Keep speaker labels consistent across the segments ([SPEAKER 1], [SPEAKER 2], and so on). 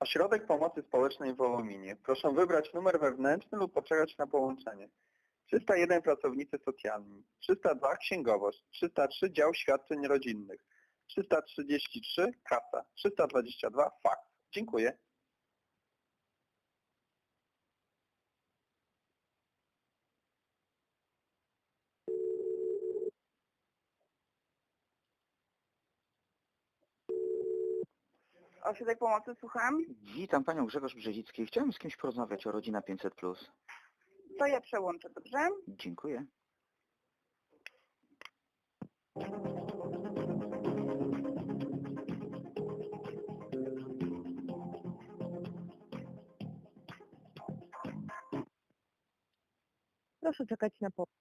[SPEAKER 1] Ośrodek Pomocy Społecznej w Wołominie. Proszę wybrać numer wewnętrzny lub poczekać na połączenie. 301 pracownicy socjalni, 302 księgowość, 303 dział świadczeń rodzinnych, 333 kasa, 322 faks. Dziękuję.
[SPEAKER 2] Ośrodek Pomocy, słucham.
[SPEAKER 3] Witam Panią Grzegorz Brzezicki. Chciałem z kimś porozmawiać o Rodzina 500+.
[SPEAKER 2] To ja przełączę, dobrze?
[SPEAKER 3] Dziękuję.
[SPEAKER 2] Proszę czekać na po...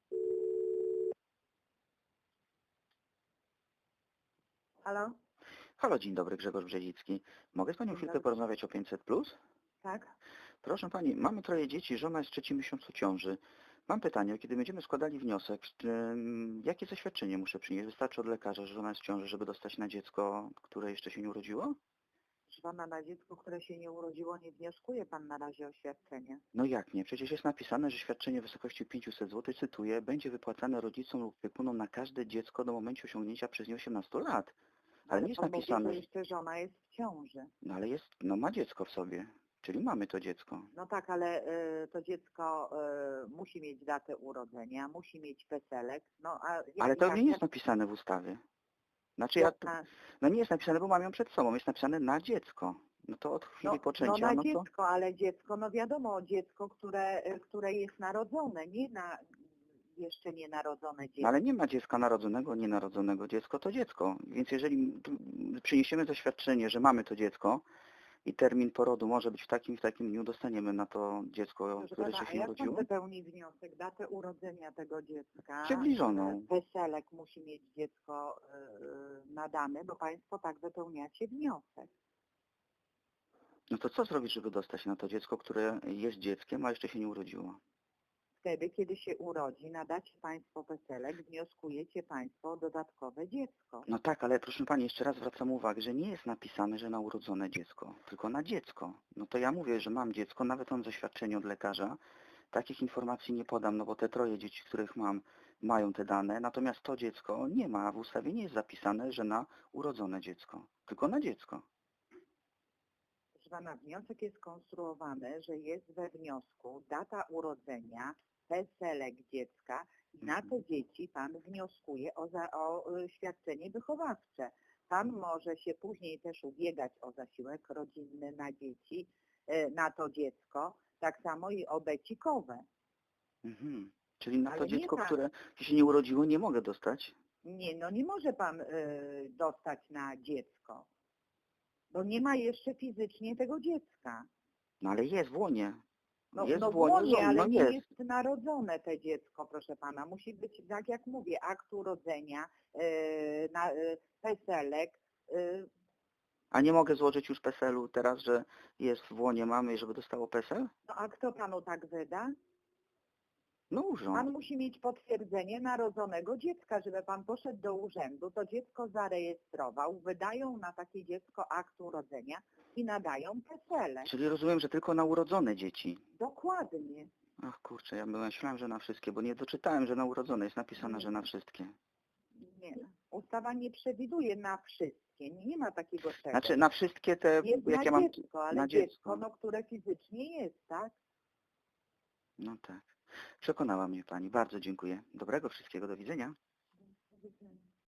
[SPEAKER 2] Halo?
[SPEAKER 3] Halo, dzień dobry, Grzegorz Brzezicki. Mogę z Panią
[SPEAKER 2] Dzień
[SPEAKER 3] chwilkę
[SPEAKER 2] dobry.
[SPEAKER 3] porozmawiać o 500+.
[SPEAKER 2] Tak?
[SPEAKER 3] Proszę Pani, mamy 3 dzieci, żona jest w 3. miesiącu ciąży. Mam pytanie, kiedy będziemy składali wniosek, jakie zaświadczenie muszę przynieść? Wystarczy od lekarza, że żona jest w ciąży, żeby dostać na dziecko, które jeszcze się nie urodziło?
[SPEAKER 2] Proszę pana, na dziecko, które się nie urodziło, nie wnioskuje pan na razie o świadczenie.
[SPEAKER 3] No jak nie? Przecież jest napisane, że świadczenie w wysokości 500 zł, cytuję, będzie wypłacane rodzicom lub opiekunom na każde dziecko do momentu osiągnięcia przez nie 18 lat. Ale nie jest
[SPEAKER 2] Pan mówi,
[SPEAKER 3] napisane,
[SPEAKER 2] że jeszcze żona jest w ciąży.
[SPEAKER 3] no ale jest, no ma dziecko w sobie, czyli mamy to dziecko.
[SPEAKER 2] No tak, ale to dziecko musi mieć datę urodzenia, musi mieć PESEL-ek. No,
[SPEAKER 3] Ale to nie jest napisane w ustawie. Znaczy no nie jest napisane, bo mam ją przed sobą, jest napisane na dziecko. No to od chwili poczęcia,
[SPEAKER 2] no na
[SPEAKER 3] no to...
[SPEAKER 2] dziecko, ale dziecko, no wiadomo, dziecko, które jest narodzone, nie na jeszcze nienarodzone dziecko.
[SPEAKER 3] No ale nie ma dziecka narodzonego, nienarodzonego. Dziecko to dziecko. Więc jeżeli przyniesiemy zaświadczenie, że mamy to dziecko i termin porodu może być w takim dniu, dostaniemy na to dziecko, które
[SPEAKER 2] Pana,
[SPEAKER 3] się
[SPEAKER 2] jak
[SPEAKER 3] urodziło?
[SPEAKER 2] pan wypełni wniosek, datę urodzenia tego dziecka?
[SPEAKER 3] Przybliżoną.
[SPEAKER 2] PESEL-ek musi mieć dziecko nadane, bo państwo tak wypełniacie wniosek.
[SPEAKER 3] No to co zrobić, żeby dostać na to dziecko, które jest dzieckiem, a jeszcze się nie urodziło?
[SPEAKER 2] Wtedy, kiedy się urodzi, nadacie państwo PESEL-ek, wnioskujecie państwo o dodatkowe dziecko.
[SPEAKER 3] No tak, ale proszę Pani, jeszcze raz zwracam uwagę, że nie jest napisane, że na urodzone dziecko, tylko na dziecko. No to ja mówię, że mam dziecko, nawet mam zaświadczenie od lekarza. Takich informacji nie podam, no bo te 3 dzieci, których mam, mają te dane, natomiast to dziecko nie ma, w ustawie nie jest zapisane, że na urodzone dziecko, tylko na dziecko.
[SPEAKER 2] Proszę pana, wniosek jest konstruowany, że jest we wniosku data urodzenia, PESEL-ek dziecka i na te dzieci pan wnioskuje o świadczenie wychowawcze. Pan może się później też ubiegać o zasiłek rodzinny na dzieci, na to dziecko, tak samo i o becikowe.
[SPEAKER 3] Mhm. Czyli na
[SPEAKER 2] Ale
[SPEAKER 3] to
[SPEAKER 2] nie
[SPEAKER 3] dziecko,
[SPEAKER 2] tak.
[SPEAKER 3] które się nie urodziło, nie mogę dostać?
[SPEAKER 2] Nie, no nie może pan dostać na dziecko, bo nie ma jeszcze fizycznie tego dziecka.
[SPEAKER 3] No ale jest w łonie.
[SPEAKER 2] No,
[SPEAKER 3] Jest
[SPEAKER 2] no
[SPEAKER 3] w łonie
[SPEAKER 2] włonie,
[SPEAKER 3] żony,
[SPEAKER 2] ale
[SPEAKER 3] no
[SPEAKER 2] nie
[SPEAKER 3] jest.
[SPEAKER 2] jest narodzone te dziecko, proszę pana. Musi być, tak jak mówię, akt urodzenia, PESEL-ek.
[SPEAKER 3] A nie mogę złożyć już PESEL-u teraz, że jest w łonie mamy i żeby dostało PESEL?
[SPEAKER 2] No a kto panu tak wyda?
[SPEAKER 3] No urząd.
[SPEAKER 2] Pan musi mieć potwierdzenie narodzonego dziecka, żeby pan poszedł do urzędu, to dziecko zarejestrował, wydają na takie dziecko akt urodzenia i nadają PESEL-ek.
[SPEAKER 3] Czyli rozumiem, że tylko na urodzone dzieci.
[SPEAKER 2] Dokładnie.
[SPEAKER 3] Ach kurczę, ja myślałem, że na wszystkie, bo nie doczytałem, że na urodzone jest napisane, że na wszystkie.
[SPEAKER 2] Nie. Ustawa nie przewiduje na wszystkie. Nie ma takiego czegoś.
[SPEAKER 3] Znaczy na wszystkie te,
[SPEAKER 2] Jest
[SPEAKER 3] jakie
[SPEAKER 2] na
[SPEAKER 3] mam...
[SPEAKER 2] dziecko, ale
[SPEAKER 3] na
[SPEAKER 2] dziecko, no, które fizycznie jest, tak?
[SPEAKER 3] No tak. Przekonała mnie Pani. Bardzo dziękuję. Dobrego wszystkiego. Do widzenia.
[SPEAKER 2] Do widzenia.